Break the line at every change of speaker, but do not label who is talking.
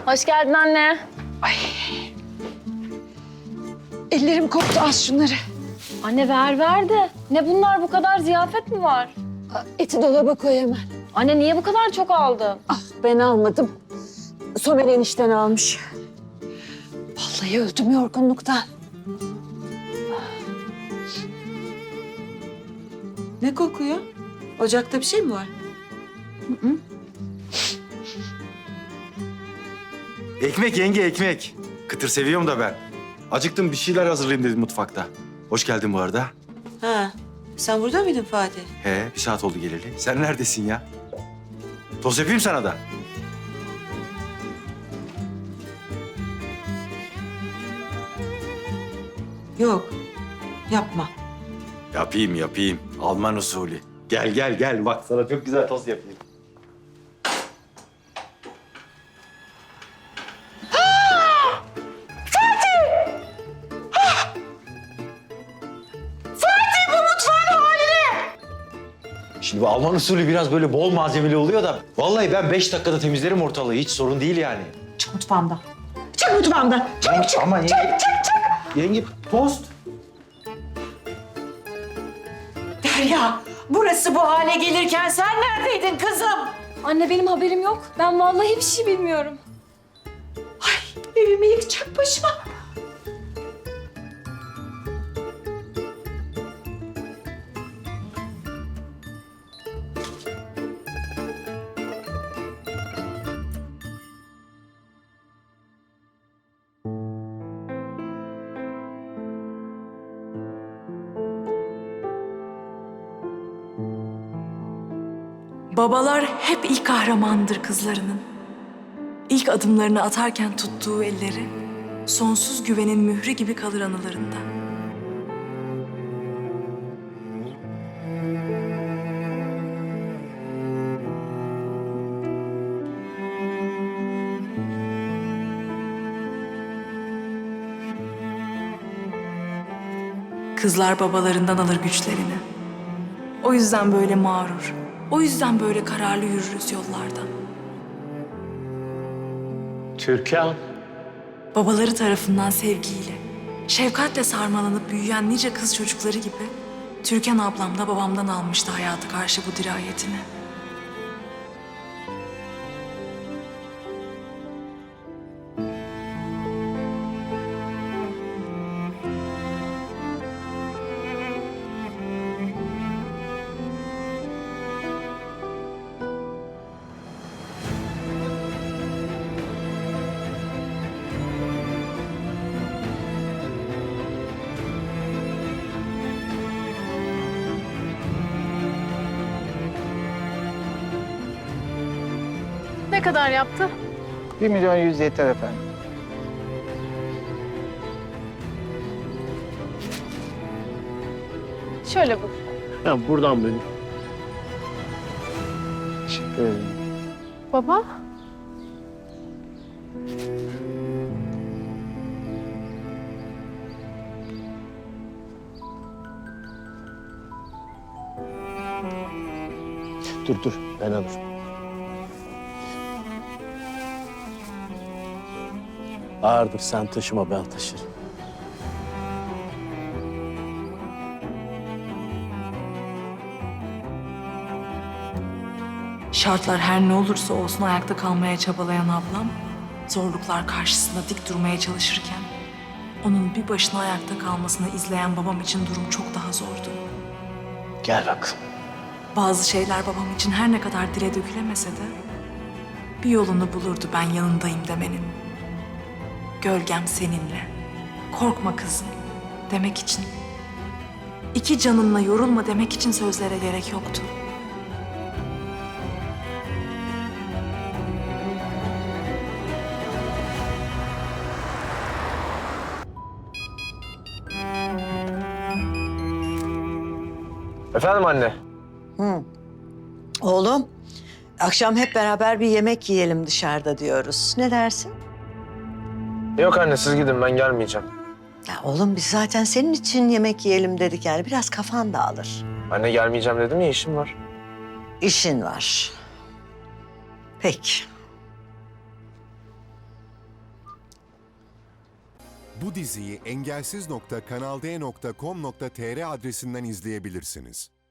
Hoş geldin anne.
Ellerim koptu, az şunları.
Anne ver de. Ne bunlar, bu kadar ziyafet mi var?
Eti dolaba koy hemen.
Anne niye bu kadar çok aldın?
Ah, ben almadım. Somer enişten almış. Vallahi öldüm yorgunluktan.
Ne kokuyor? Ocakta bir şey mi var?
Ekmek yenge, ekmek. Kıtır seviyorum da ben. Acıktım, bir şeyler hazırlayayım dedim mutfakta. Hoş geldin bu arada.
Ha, sen burada mıydın Fatih?
He, bir saat oldu geleli. Sen neredesin ya? Tost yapayım sana da.
Yok, yapma.
Yapayım. Alman usulü. Gel. Bak sana çok güzel tost yapayım. Şimdi bu Alman usulü biraz böyle bol malzemeli oluyor da... Vallahi ben 5 dakikada temizlerim ortalığı. Hiç sorun değil yani.
Çık mutfağımdan. Çık mutfağımdan.
Ama yenge... Yenge tost.
Derya, burası bu hale gelirken sen neredeydin kızım?
Anne benim haberim yok. Ben vallahi bir şey bilmiyorum.
Evimi yıkacak başıma.
Babalar hep ilk kahramandır kızlarının. İlk adımlarını atarken tuttuğu elleri, sonsuz güvenin mührü gibi kalır anılarında. Kızlar babalarından alır güçlerini. O yüzden böyle mağrur, o yüzden böyle kararlı yürürüz yollardan.
Türkan.
Babaları tarafından sevgiyle, şefkatle sarmalanıp büyüyen nice kız çocukları gibi Türkan ablam da babamdan almıştı hayata karşı bu dirayetini.
Ne kadar yaptı?
1.100.000 yeter efendim.
Şöyle bu.
Ya buradan böyle. Teşekkür ederim.
Baba.
Dur ben alırım. Ağırdır, sen taşıma, ben taşırım.
Şartlar her ne olursa olsun ayakta kalmaya çabalayan ablam, zorluklar karşısında dik durmaya çalışırken, onun bir başına ayakta kalmasını izleyen babam için durum çok daha zordu.
Gel bakalım.
Bazı şeyler babam için her ne kadar dile dökülemese de bir yolunu bulurdu ben yanındayım demenin. Gölgem seninle, korkma kızım demek için. İki canınla yorulma demek için sözlere gerek yoktu.
Efendim anne.
Oğlum, akşam hep beraber bir yemek yiyelim dışarıda diyoruz. Ne dersin?
Yok anne, siz gidin, ben gelmeyeceğim.
Ya oğlum biz zaten senin için yemek yiyelim dedik yani. Biraz kafan dağılır.
Anne gelmeyeceğim dedim ya, işim var.
İşin var. Peki.
Bu diziyi engelsiz.kanalde.com.tr adresinden izleyebilirsiniz.